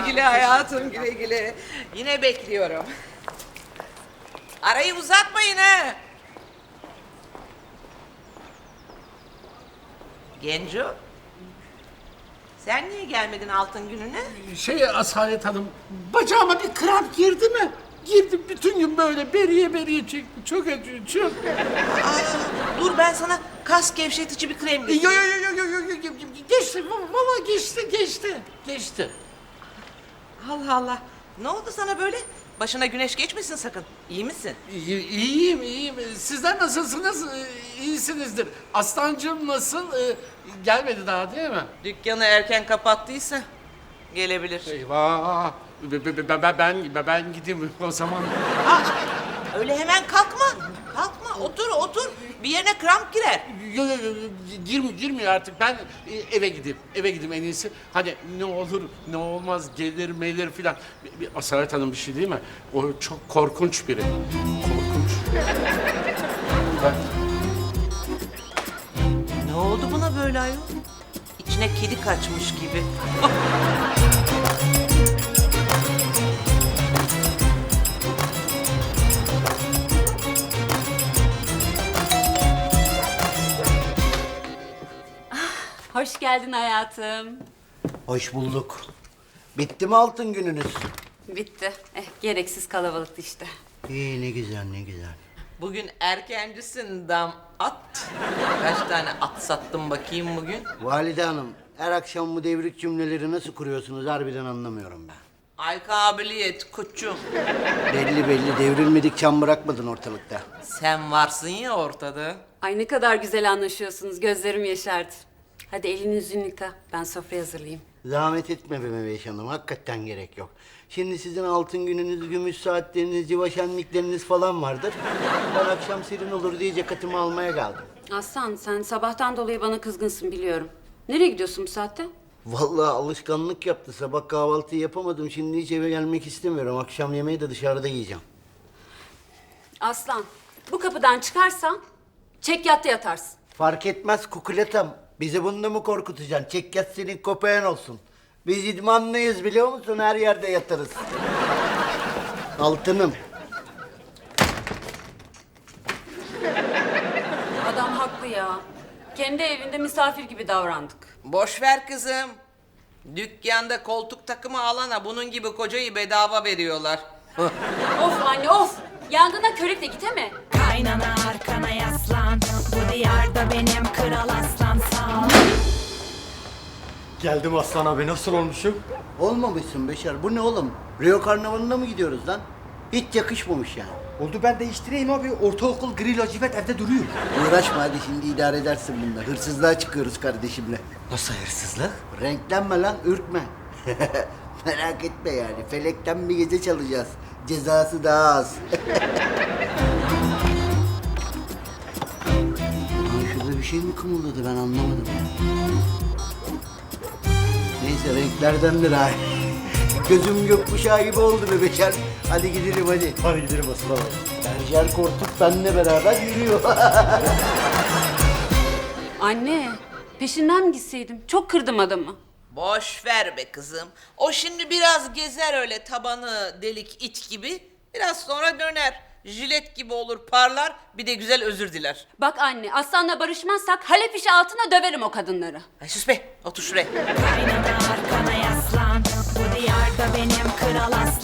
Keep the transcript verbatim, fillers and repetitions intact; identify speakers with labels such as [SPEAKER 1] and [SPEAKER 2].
[SPEAKER 1] güle hayatım, güle güle. Yine bekliyorum. Arayı uzatmayın ha. Genco, sen niye gelmedin altın gününe?
[SPEAKER 2] Şey Asalet Hanım, bacağıma bir kramp girdi mi? Girdi, bütün gün böyle beriye beriye çekti. Çok acıyor, çok.
[SPEAKER 1] Aa, dur ben sana kas gevşetici bir krem
[SPEAKER 2] Yo
[SPEAKER 1] getireyim.
[SPEAKER 2] yo yo yo yo yo yo geçti, valla geçti, geçti, geçti.
[SPEAKER 1] Allah Allah. Ne oldu sana böyle? Başına güneş geçmesin sakın. İyi misin?
[SPEAKER 2] İyi, iyiyim, iyiyim. Sizler nasılsınız? Ee, İyisinizdir. Aslancığım nasıl? Ee, gelmedi daha değil mi?
[SPEAKER 1] Dükkanı erken kapattıysa gelebilir.
[SPEAKER 2] Eyvah! Be- be- be- Ben, ben, ben gideyim o zaman.
[SPEAKER 1] Aa, öyle hemen kalkma. Kalkma. Otur otur. Bir yerine kramp girer.
[SPEAKER 2] Yok yok yok, girmiyor, girmiyor artık. Ben e, eve gideyim, eve gideyim en iyisi. Hani ne olur, ne olmaz, gelir melir filan. Bir, bir Asalet Hanım bir şey değil mi? O çok korkunç biri. Korkunç. Ben...
[SPEAKER 1] Ne oldu buna böyle ayol? İçine kedi kaçmış gibi.
[SPEAKER 3] Hoş geldin hayatım.
[SPEAKER 4] Hoş bulduk. Bitti mi altın gününüz?
[SPEAKER 3] Bitti. Eh, gereksiz kalabalıktı işte.
[SPEAKER 4] İyi ne güzel ne güzel.
[SPEAKER 1] Bugün erkencisin dam at. Kaç tane at sattım bakayım bugün?
[SPEAKER 4] Valide Hanım, her akşam bu devrik cümleleri nasıl kuruyorsunuz harbiden anlamıyorum ben.
[SPEAKER 1] Ay kabiliyet koçum.
[SPEAKER 4] Belli belli devrilmedik çam bırakmadın ortalıkta.
[SPEAKER 1] Sen varsın ya ortada.
[SPEAKER 3] Ay ne kadar güzel anlaşıyorsunuz. Gözlerim yaşardı. Hadi elini yüzünü yıka. Ben sofra hazırlayayım.
[SPEAKER 4] Zahmet etme be Meveş Hanım, hakikaten gerek yok. Şimdi sizin altın gününüz, gümüş saatleriniz, civa şenlikleriniz falan vardır. Ben akşam serin olur diye ceketimi almaya geldim.
[SPEAKER 3] Aslan sen sabahtan dolayı bana kızgınsın biliyorum. Nereye gidiyorsun bu saatte?
[SPEAKER 4] Vallahi alışkanlık yaptı. Sabah kahvaltıyı yapamadım. Şimdi hiç eve gelmek istemiyorum. Akşam yemeği de dışarıda yiyeceğim.
[SPEAKER 3] Aslan bu kapıdan çıkarsan çek yatta yatarsın.
[SPEAKER 4] Fark etmez kukuletam. Bizi bunda mı korkutacaksın? Çek yat senin köpeğin olsun. Biz idmanlıyız biliyor musun? Her yerde yatarız. Altınım.
[SPEAKER 3] Adam haklı ya. Kendi evinde misafir gibi davrandık.
[SPEAKER 1] Boş ver kızım. Dükkanda koltuk takımı alana bunun gibi kocayı bedava veriyorlar.
[SPEAKER 3] Of anne of. Yangına körükle git mi?
[SPEAKER 5] Kaynana arkana yaslan. Bu diyarda benim kral aslan sağ ol.
[SPEAKER 6] Geldim Aslan abi, nasıl olmuşum?
[SPEAKER 4] Olmamışsın Beşer. Bu ne oğlum? Rio Karnavalı'na mı gidiyoruz lan? Hiç yakışmamış yani.
[SPEAKER 6] Oldu, ben değiştireyim abi. Ortaokul gri lacivert evde duruyor.
[SPEAKER 4] Uğraşma hadi, şimdi idare edersin bununla. Hırsızlığa çıkıyoruz kardeşimle.
[SPEAKER 6] Nasıl hırsızlık?
[SPEAKER 4] Renklenme lan, ürkme. Merak etme yani. Felekten bir gece çalacağız. Cezası daha az. Lan şurada bir şey mi kımıldadı, ben anlamadım. Neyse renklerdendir ha. Gözüm gökkuşağı gibi oldu be Beşer. Hadi gidelim hadi.
[SPEAKER 6] Hadi gidelim Aslan abi.
[SPEAKER 4] Berjer Korkut benimle beraber yürüyor.
[SPEAKER 3] Anne peşinden mi gitseydim? Çok kırdım adamı.
[SPEAKER 1] Boş ver be kızım. O şimdi biraz gezer öyle tabanı delik it gibi. Biraz sonra döner. Jilet gibi olur parlar. Bir de güzel özür diler.
[SPEAKER 3] Bak anne Aslan'la barışmazsak Halep işi altına döverim o kadınları.
[SPEAKER 1] Ay sus be. Otur şuraya.
[SPEAKER 5] Kaynana arkana yaslan. Bu diyarda benim kral aslan